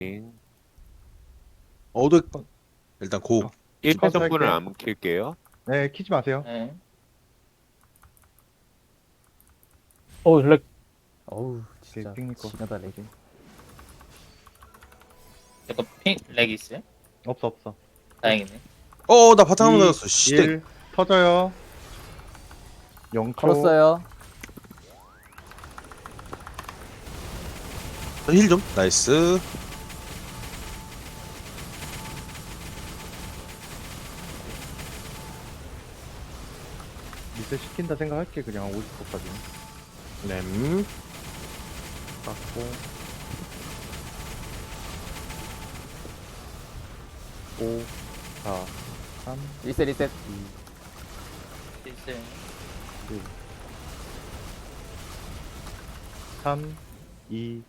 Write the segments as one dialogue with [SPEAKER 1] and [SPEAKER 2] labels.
[SPEAKER 1] 어드 일단 고.
[SPEAKER 2] 1패 정도는
[SPEAKER 3] 할게요.
[SPEAKER 2] 안 킬게요.
[SPEAKER 3] 네, 키지 마세요.
[SPEAKER 4] 네.
[SPEAKER 5] 렉.
[SPEAKER 6] 어우 진짜
[SPEAKER 3] 핑니꺼.
[SPEAKER 6] 지나다 렉이.
[SPEAKER 4] 이거 핑렉 있어요?
[SPEAKER 3] 없어.
[SPEAKER 4] 다행이네.
[SPEAKER 1] 나 바탕 한번 맞았어. 씨.
[SPEAKER 3] 1 터져요. 0초.
[SPEAKER 6] 걸었어요.
[SPEAKER 1] 힐 좀. 나이스.
[SPEAKER 3] 리셋 시킨다 생각할게. 그냥 50%까지.
[SPEAKER 1] 램.
[SPEAKER 3] 깎고 5 4 3
[SPEAKER 6] 리셋 리셋.
[SPEAKER 3] 2
[SPEAKER 4] 있어요.
[SPEAKER 3] 1 3 2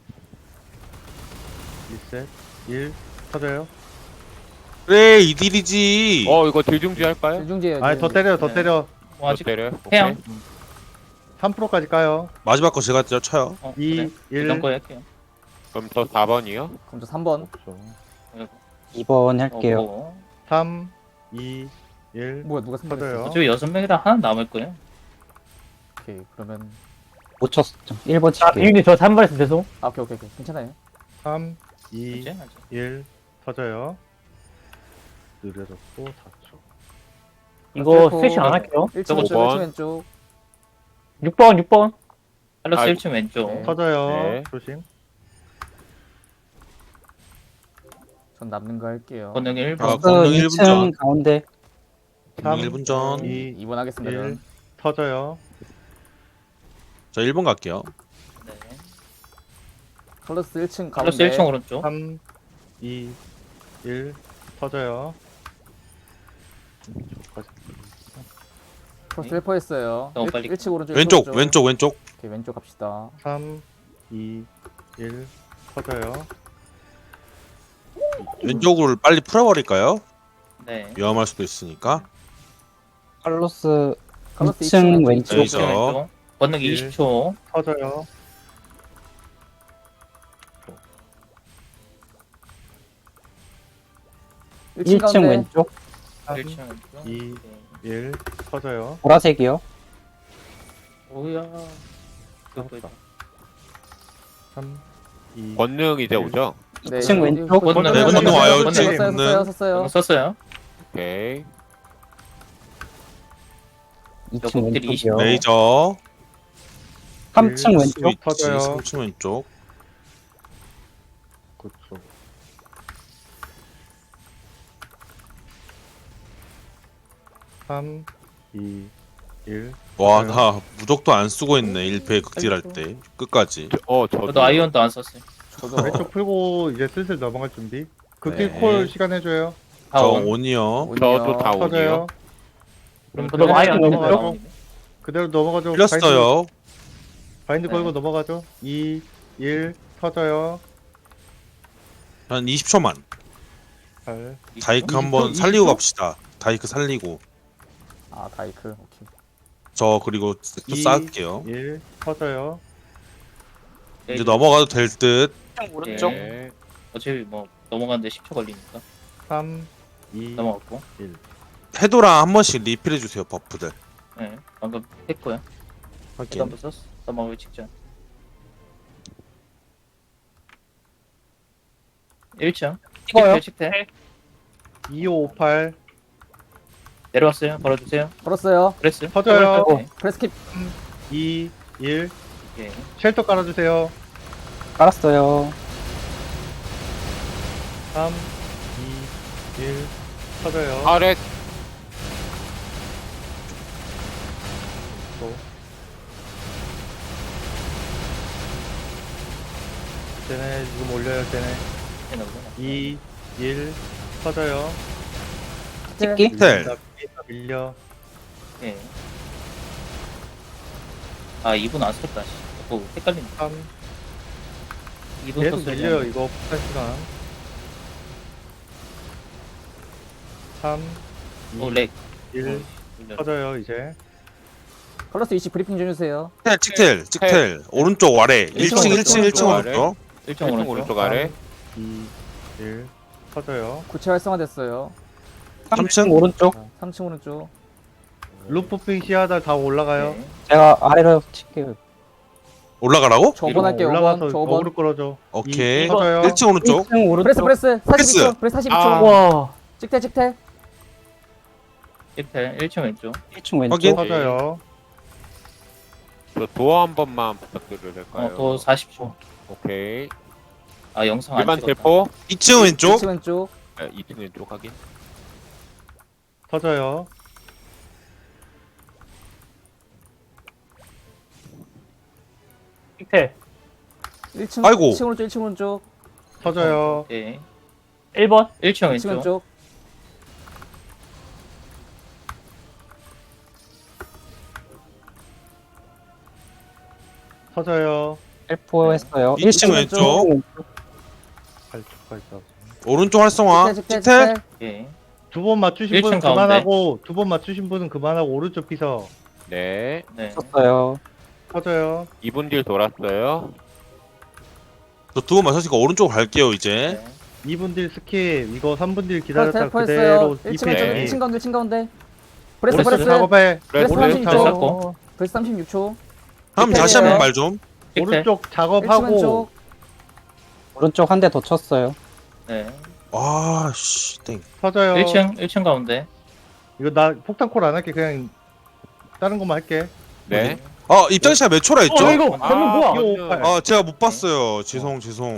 [SPEAKER 3] 리셋 1 터져요.
[SPEAKER 1] 그래 이딜이지.
[SPEAKER 2] 이거 딜중지 할까요?
[SPEAKER 6] 중지해요.
[SPEAKER 3] 아니 더 때려 더
[SPEAKER 4] 네.
[SPEAKER 3] 때려.
[SPEAKER 4] 뭐 아직
[SPEAKER 2] 때려요?
[SPEAKER 4] 해양.
[SPEAKER 3] 3%까지 까요.
[SPEAKER 1] 마지막 거 제가 쳐요.
[SPEAKER 3] 2
[SPEAKER 4] 그래.
[SPEAKER 3] 1
[SPEAKER 4] 이런 거 할게요.
[SPEAKER 2] 그럼 저 4번이요?
[SPEAKER 6] 그럼 저 3번.
[SPEAKER 3] 없어.
[SPEAKER 5] 2번 할게요.
[SPEAKER 4] 뭐.
[SPEAKER 3] 3 2 1
[SPEAKER 6] 뭐야 누가 3번
[SPEAKER 3] 터져요.
[SPEAKER 6] 했어?
[SPEAKER 4] 어차피 6명이라 하나 남을 거예요.
[SPEAKER 6] 오케이 그러면
[SPEAKER 5] 못 쳤어. 1번
[SPEAKER 7] 아,
[SPEAKER 5] 칠게요.
[SPEAKER 7] 비행기 저 3번 했으면 죄송.
[SPEAKER 6] 오케이 괜찮아요.
[SPEAKER 3] 3 2
[SPEAKER 4] 이제 하죠.
[SPEAKER 3] 1 터져요. 느려졌고 4초.
[SPEAKER 7] 이거
[SPEAKER 6] 셀프.
[SPEAKER 7] 스위치 안 할게요.
[SPEAKER 6] 1층
[SPEAKER 4] 저거
[SPEAKER 6] 왼쪽
[SPEAKER 2] 5번.
[SPEAKER 6] 1층 왼쪽.
[SPEAKER 7] 6번.
[SPEAKER 4] 팔로스
[SPEAKER 2] 아,
[SPEAKER 4] 1층 왼쪽.
[SPEAKER 6] 네.
[SPEAKER 3] 터져요.
[SPEAKER 2] 네.
[SPEAKER 3] 조심.
[SPEAKER 6] 전 남는 거 할게요.
[SPEAKER 4] 권능 1번.
[SPEAKER 1] 아, 권능 1분
[SPEAKER 5] 2층
[SPEAKER 1] 전.
[SPEAKER 5] 가운데.
[SPEAKER 1] 권능 1분 전.
[SPEAKER 3] 2
[SPEAKER 6] 2번 하겠습니다.
[SPEAKER 3] 1
[SPEAKER 6] 저는.
[SPEAKER 3] 터져요.
[SPEAKER 1] 저 1번 갈게요.
[SPEAKER 4] 네.
[SPEAKER 6] 컬러스 1층
[SPEAKER 4] 팔로스
[SPEAKER 6] 가운데.
[SPEAKER 4] 1층 오른쪽.
[SPEAKER 3] 3 2 1 터져요.
[SPEAKER 6] 컬러스 1퍼 했어요.
[SPEAKER 4] 너무 빨리
[SPEAKER 6] 1층 오른쪽.
[SPEAKER 1] 왼쪽
[SPEAKER 6] 1층
[SPEAKER 1] 왼쪽 왼쪽.
[SPEAKER 6] 오케이 왼쪽 갑시다.
[SPEAKER 3] 3 2 1 터져요.
[SPEAKER 1] 왼쪽을 빨리 풀어버릴까요?
[SPEAKER 4] 네.
[SPEAKER 1] 위험할 수도 있으니까.
[SPEAKER 5] 칼로스
[SPEAKER 6] 칼로스
[SPEAKER 5] 2층
[SPEAKER 6] 2층
[SPEAKER 5] 왼쪽.
[SPEAKER 1] 네.
[SPEAKER 4] 1층 왼쪽. 권능
[SPEAKER 3] 일.
[SPEAKER 4] 20초.
[SPEAKER 3] 터져요.
[SPEAKER 6] 일
[SPEAKER 5] 1층
[SPEAKER 6] 가운데.
[SPEAKER 5] 왼쪽.
[SPEAKER 3] 3
[SPEAKER 4] 1층 왼쪽.
[SPEAKER 3] 2
[SPEAKER 4] 네.
[SPEAKER 3] 1 터져요.
[SPEAKER 5] 보라색이요.
[SPEAKER 4] 오야. 그거
[SPEAKER 3] 3 2
[SPEAKER 2] 권능 이제 오죠?
[SPEAKER 6] 네,
[SPEAKER 5] 2층
[SPEAKER 6] 이거-
[SPEAKER 5] 왼쪽.
[SPEAKER 6] 이거
[SPEAKER 4] 권능
[SPEAKER 1] 네, 권능 와요.
[SPEAKER 4] 권능
[SPEAKER 1] 지금.
[SPEAKER 6] 썼어요.
[SPEAKER 4] 썼어요.
[SPEAKER 2] 오케이.
[SPEAKER 5] 2층
[SPEAKER 4] 여기
[SPEAKER 5] 왼쪽이요.
[SPEAKER 1] 레이저.
[SPEAKER 5] 3층 왼쪽.
[SPEAKER 1] 스위치
[SPEAKER 3] 터져요.
[SPEAKER 1] 3층 왼쪽.
[SPEAKER 3] 9초. 3 2 1
[SPEAKER 1] 와, 나 무적도 안 쓰고 있네. 1패 극딜할 때 끝까지.
[SPEAKER 2] 저도
[SPEAKER 4] 저도 아이언도 안 썼어요.
[SPEAKER 6] 저도
[SPEAKER 3] 왼쪽 풀고 이제 슬슬 넘어갈 준비. 극딜
[SPEAKER 1] 네.
[SPEAKER 3] 콜 시간 해줘요.
[SPEAKER 1] 저
[SPEAKER 4] 다운.
[SPEAKER 1] 온이요.
[SPEAKER 2] 저도 다
[SPEAKER 3] 터져요.
[SPEAKER 2] 온이요.
[SPEAKER 3] 그럼
[SPEAKER 7] 저도
[SPEAKER 3] 그대로
[SPEAKER 7] 아예 안
[SPEAKER 3] 넘어가죠.
[SPEAKER 7] 했어요.
[SPEAKER 3] 그대로 넘어가죠.
[SPEAKER 1] 풀렸어요.
[SPEAKER 3] 바인드
[SPEAKER 4] 네.
[SPEAKER 3] 걸고 넘어가죠. 2 1 터져요.
[SPEAKER 1] 한 20초만.
[SPEAKER 3] 8
[SPEAKER 1] 다이크
[SPEAKER 3] 20초?
[SPEAKER 1] 한번 살리고
[SPEAKER 3] 20초?
[SPEAKER 1] 갑시다. 다이크 살리고.
[SPEAKER 6] 아 다이크. 오케이.
[SPEAKER 1] 저 그리고 또
[SPEAKER 3] 이-
[SPEAKER 1] 쌓을게요.
[SPEAKER 3] 1 터져요.
[SPEAKER 1] 이제 넘어가도 될 듯.
[SPEAKER 4] 오른쪽.
[SPEAKER 2] 네.
[SPEAKER 4] 어차피 뭐 넘어가는데 10초 걸리니까
[SPEAKER 3] 3 2
[SPEAKER 4] 넘어갔고.
[SPEAKER 1] 해도랑 한 번씩 리필해 주세요. 버프들.
[SPEAKER 4] 네. 방금 했고요.
[SPEAKER 1] 확인.
[SPEAKER 4] 한번 썼어. 넘어가기 직전. 1층.
[SPEAKER 7] 찍어요.
[SPEAKER 4] 식태.
[SPEAKER 3] 2558
[SPEAKER 4] 내려왔어요. 걸어주세요.
[SPEAKER 6] 걸었어요.
[SPEAKER 4] 그랬어요.
[SPEAKER 3] 터져요.
[SPEAKER 4] 네.
[SPEAKER 6] 프레스킵.
[SPEAKER 3] 2 1
[SPEAKER 4] 예.
[SPEAKER 3] 쉘터 깔아주세요.
[SPEAKER 5] 깔았어요.
[SPEAKER 3] 3 2 1 터져요.
[SPEAKER 2] 아래
[SPEAKER 3] 또. 쟤네 지금 올려요. 쟤네
[SPEAKER 4] 해놓으면.
[SPEAKER 3] 2 1 터져요.
[SPEAKER 5] 찍기.
[SPEAKER 1] 텔.
[SPEAKER 3] 밀려.
[SPEAKER 4] 예. 아 2분 안 썼다. 씨. 헷갈린다.
[SPEAKER 3] 3
[SPEAKER 4] 2분
[SPEAKER 3] 계속
[SPEAKER 4] 썼어요.
[SPEAKER 3] 밀려요. 이거 폭탄 시간. 3
[SPEAKER 4] 오
[SPEAKER 3] 2
[SPEAKER 4] 렉.
[SPEAKER 3] 1 터져요. 이제
[SPEAKER 6] 컬러스 20 브리핑 좀 해주세요.
[SPEAKER 1] 텔, 찍텔, 찍텔. 오른쪽 아래. 1층, 1층, 1층
[SPEAKER 2] 오른쪽 아래.
[SPEAKER 1] 오른쪽.
[SPEAKER 4] 1층
[SPEAKER 2] 1층
[SPEAKER 4] 오른쪽.
[SPEAKER 2] 오른쪽 아래.
[SPEAKER 3] 2 1 터져요.
[SPEAKER 6] 구체 활성화됐어요.
[SPEAKER 1] 3층?
[SPEAKER 5] 오른쪽.
[SPEAKER 6] 3층 오른쪽.
[SPEAKER 3] 루프핑 시야달 다 올라가요.
[SPEAKER 4] 네.
[SPEAKER 5] 제가 아래로 칠게요.
[SPEAKER 1] 올라가라고?
[SPEAKER 6] 저 5번 할게요.
[SPEAKER 3] 올라가서
[SPEAKER 6] 5번. 저 5번.
[SPEAKER 3] 어그로 끌어줘.
[SPEAKER 1] 오케이.
[SPEAKER 3] 터져요.
[SPEAKER 1] 1층 오른쪽.
[SPEAKER 5] 1층 오른쪽.
[SPEAKER 6] 브레스 42초. 브레스 42초.
[SPEAKER 2] 아.
[SPEAKER 7] 와.
[SPEAKER 6] 찍태.
[SPEAKER 4] 1층 왼쪽.
[SPEAKER 5] 1층 왼쪽.
[SPEAKER 1] 확인.
[SPEAKER 3] 터져요.
[SPEAKER 2] 저 도어 한 번만 부탁드려도 될까요?
[SPEAKER 4] 또 40초.
[SPEAKER 2] 오케이.
[SPEAKER 4] 아 영상 안
[SPEAKER 2] 일반
[SPEAKER 4] 찍었다.
[SPEAKER 2] 텔포.
[SPEAKER 1] 2층 왼쪽.
[SPEAKER 6] 2층 왼쪽.
[SPEAKER 2] 네, 2층 왼쪽 확인.
[SPEAKER 3] 터져요.
[SPEAKER 7] 픽텔.
[SPEAKER 6] 1층.
[SPEAKER 1] 아이고.
[SPEAKER 6] 1층 오른쪽. 1층 오른쪽.
[SPEAKER 3] 터져요.
[SPEAKER 4] 오케이.
[SPEAKER 7] 1번.
[SPEAKER 4] 1층
[SPEAKER 6] 1층
[SPEAKER 4] 왼쪽.
[SPEAKER 6] 왼쪽.
[SPEAKER 3] 터져요.
[SPEAKER 5] 헬포 했어요.
[SPEAKER 1] 1층 왼쪽.
[SPEAKER 3] 8초까지 다.
[SPEAKER 1] 오른쪽 활성화.
[SPEAKER 6] 찍태.
[SPEAKER 1] 찍태.
[SPEAKER 4] 오케이.
[SPEAKER 3] 두 번 맞추신 분은
[SPEAKER 4] 1층 가운데.
[SPEAKER 3] 그만하고 두 번 맞추신 분은 그만하고 오른쪽 피서
[SPEAKER 2] 네.
[SPEAKER 4] 네.
[SPEAKER 5] 썼어요.
[SPEAKER 3] 터져요.
[SPEAKER 2] 2분 딜 돌았어요.
[SPEAKER 1] 저 두 번 맞췄으니까 오른쪽으로 갈게요 이제.
[SPEAKER 4] 네.
[SPEAKER 3] 2분 딜 스킵. 이거 3분 딜
[SPEAKER 6] 텔
[SPEAKER 3] 기다렸다
[SPEAKER 6] 포
[SPEAKER 3] 그대로
[SPEAKER 6] 했어요. 1층
[SPEAKER 3] 2패
[SPEAKER 6] 왼쪽.
[SPEAKER 2] 네.
[SPEAKER 6] 1층 가운데. 1층 가운데. 브레스
[SPEAKER 3] 오른쪽
[SPEAKER 6] 브레스.
[SPEAKER 3] 작업해.
[SPEAKER 6] 브레스
[SPEAKER 2] 오른쪽
[SPEAKER 6] 36초.
[SPEAKER 3] 작업.
[SPEAKER 4] 잡고.
[SPEAKER 6] 브레스 36초.
[SPEAKER 1] 한번 다시
[SPEAKER 6] 찍태예요.
[SPEAKER 1] 한번 말 좀.
[SPEAKER 4] 찍태.
[SPEAKER 3] 오른쪽
[SPEAKER 6] 1층
[SPEAKER 3] 작업하고
[SPEAKER 6] 왼쪽.
[SPEAKER 5] 오른쪽 한 대 더 쳤어요.
[SPEAKER 4] 네.
[SPEAKER 1] 아씨 땡.
[SPEAKER 3] 터져요.
[SPEAKER 4] 1층 가운데.
[SPEAKER 3] 이거 나 폭탄콜 안 할게. 그냥 다른 것만 할게.
[SPEAKER 2] 네.
[SPEAKER 1] 아 입장 시간 몇 초라 했죠?
[SPEAKER 7] 이거 방금 뭐야?
[SPEAKER 3] 이거
[SPEAKER 1] 아 제가 못 봤어요. 죄송.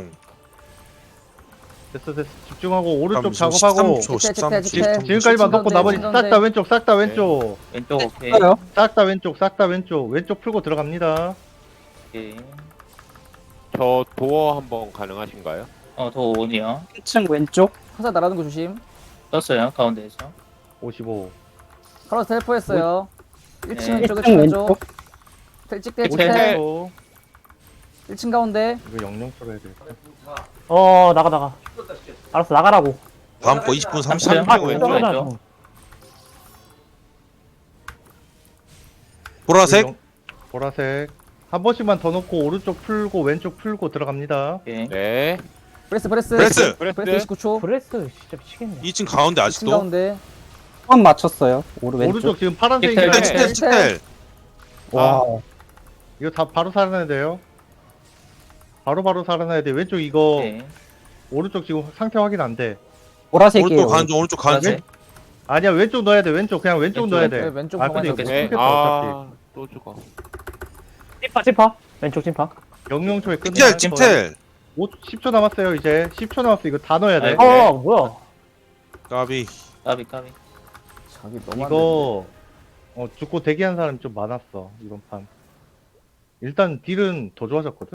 [SPEAKER 3] 됐어. 집중하고 오른쪽
[SPEAKER 1] 잠시,
[SPEAKER 3] 작업하고
[SPEAKER 1] 13초,
[SPEAKER 6] 찍태,
[SPEAKER 1] 13초.
[SPEAKER 6] 찍태.
[SPEAKER 3] 지금까지만 놓고
[SPEAKER 6] 가운데,
[SPEAKER 3] 나머지
[SPEAKER 6] 층
[SPEAKER 3] 싹 다
[SPEAKER 6] 가운데.
[SPEAKER 3] 왼쪽 싹 다 왼쪽
[SPEAKER 4] 왼쪽 오케이.
[SPEAKER 5] 했어요.
[SPEAKER 3] 싹 다 왼쪽 싹 다 왼쪽 왼쪽 풀고 들어갑니다.
[SPEAKER 4] 오케이.
[SPEAKER 2] 저 도어 한번 가능하신가요?
[SPEAKER 4] 더 온이요.
[SPEAKER 5] 1층 왼쪽.
[SPEAKER 6] 화살 날아오는 거 조심.
[SPEAKER 4] 떴어요 가운데에서.
[SPEAKER 3] 55
[SPEAKER 6] 카로스 텔포했어요. 1층
[SPEAKER 4] 네.
[SPEAKER 6] 왼쪽.
[SPEAKER 5] 1층
[SPEAKER 6] 1층
[SPEAKER 5] 왼쪽.
[SPEAKER 6] 왼쪽. 찍태.
[SPEAKER 4] 찍태.
[SPEAKER 6] 찍태.
[SPEAKER 3] 55
[SPEAKER 6] 1층 가운데.
[SPEAKER 3] 이거 영영처로 해야 돼.
[SPEAKER 7] 나가. 알았어, 나가라고.
[SPEAKER 1] 다음 거 20분
[SPEAKER 4] 3층
[SPEAKER 1] 33초 왼쪽.
[SPEAKER 4] 왼쪽.
[SPEAKER 1] 보라색.
[SPEAKER 3] 보라색 한 번씩만 더 놓고 오른쪽 풀고 왼쪽 풀고 들어갑니다.
[SPEAKER 4] 오케이.
[SPEAKER 2] 네.
[SPEAKER 6] 브레스.
[SPEAKER 1] 브레스.
[SPEAKER 6] 브레스 29초.
[SPEAKER 7] 브레스 진짜 미치겠네.
[SPEAKER 1] 2층 가운데
[SPEAKER 6] 1층
[SPEAKER 1] 아직도.
[SPEAKER 6] 가운데.
[SPEAKER 5] 한 맞췄어요. 왼쪽.
[SPEAKER 3] 오른쪽 지금 파란색이
[SPEAKER 4] 찍텔,
[SPEAKER 1] 찍텔 찍텔.
[SPEAKER 5] 와.
[SPEAKER 3] 이거 다 바로 살아나야 돼요. 바로 살아나야 돼. 왼쪽 이거
[SPEAKER 4] 오케이.
[SPEAKER 3] 오른쪽 지금 상태 확인 안 돼.
[SPEAKER 5] 보라색이에요.
[SPEAKER 1] 오른쪽 가는 중. 오른쪽 가는 중.
[SPEAKER 4] 보라색.
[SPEAKER 3] 아니야 왼쪽 넣어야 돼. 왼쪽 그냥 왼쪽
[SPEAKER 4] 왼쪽,
[SPEAKER 3] 넣어야 돼.
[SPEAKER 6] 왼쪽
[SPEAKER 3] 아 근데 이거
[SPEAKER 6] 가만히
[SPEAKER 2] 네.
[SPEAKER 3] 끊겼다 어차피.
[SPEAKER 2] 또 죽어.
[SPEAKER 7] 찐파. 왼쪽 찐파.
[SPEAKER 3] 영영초에 끝내.
[SPEAKER 1] 찍텔 찍텔.
[SPEAKER 3] 10초 남았어요. 이제 10초 남았어. 이거 다 넣어야 돼.
[SPEAKER 4] 아이고.
[SPEAKER 7] 뭐야?
[SPEAKER 1] 까비.
[SPEAKER 4] 까비.
[SPEAKER 6] 자기 너무 안
[SPEAKER 3] 이거 죽고 대기한 사람이 좀 많았어 이번 판. 일단 딜은 더 좋아졌거든.